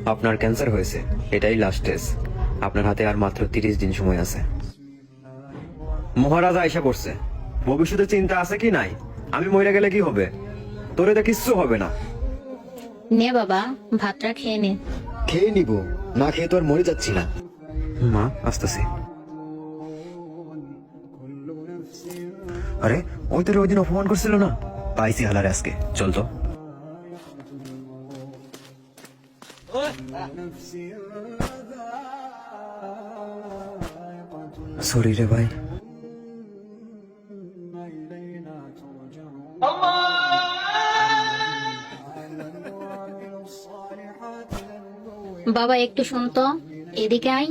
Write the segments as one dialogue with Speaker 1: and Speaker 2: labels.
Speaker 1: আপনার ক্যান্সার হয়েছে, এটাই লাস্ট স্টেজ। আপনার হাতে আর মাত্র 30 দিন সময় আছে। মহারাজা আয়সা করছে। ভবিষ্যতে চিন্তা আছে কি নাই? আমি মরে গেলে কি হবে? তোরে তো কিচ্ছু হবে না।
Speaker 2: নে বাবা, ভাতটা খেয়ে নে।
Speaker 1: খেয়ে নিব, না খেয়ে তো আর মরে যাচ্ছি না। মা আসতেছি। আরে ওই তোর ওই দিন অপমান করছিল না, পাইছি হালারে আজকে। চল তো। সরি রে ভাই।
Speaker 2: বাবা একটু শুন তো, এদিকে আয়।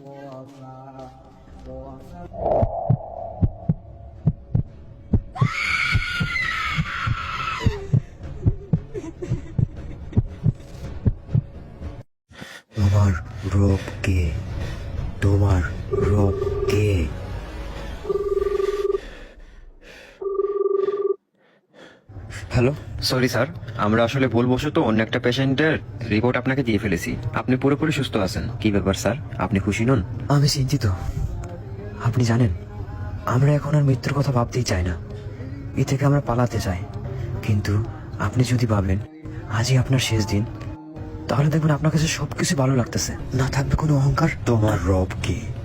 Speaker 1: তোমার রব কে? তোমার রব কে? হ্যালো, সরি স্যার, আমরা আসলে ভুলবশত অন্য একটা পেশেন্টের রিপোর্ট আপনাকে দিয়ে ফেলেছি। আপনি পুরোপুরি সুস্থ আছেন। কি ব্যাপার স্যার, আপনি খুশি নন? আমি চিন্তিত। আপনি জানেন, আমরা এখন আর মৃত্যুর কথা ভাবতেই চাই না। এ থেকে আমরা পালাতে চাই। কিন্তু আপনি যদি ভাবেন আজই আপনার শেষ দিন, তাহলে দেখবেন আপনার কাছে সবকিছু ভালো লাগতেছে, না থাকবে কোনো অহংকার। তোমার রব কি?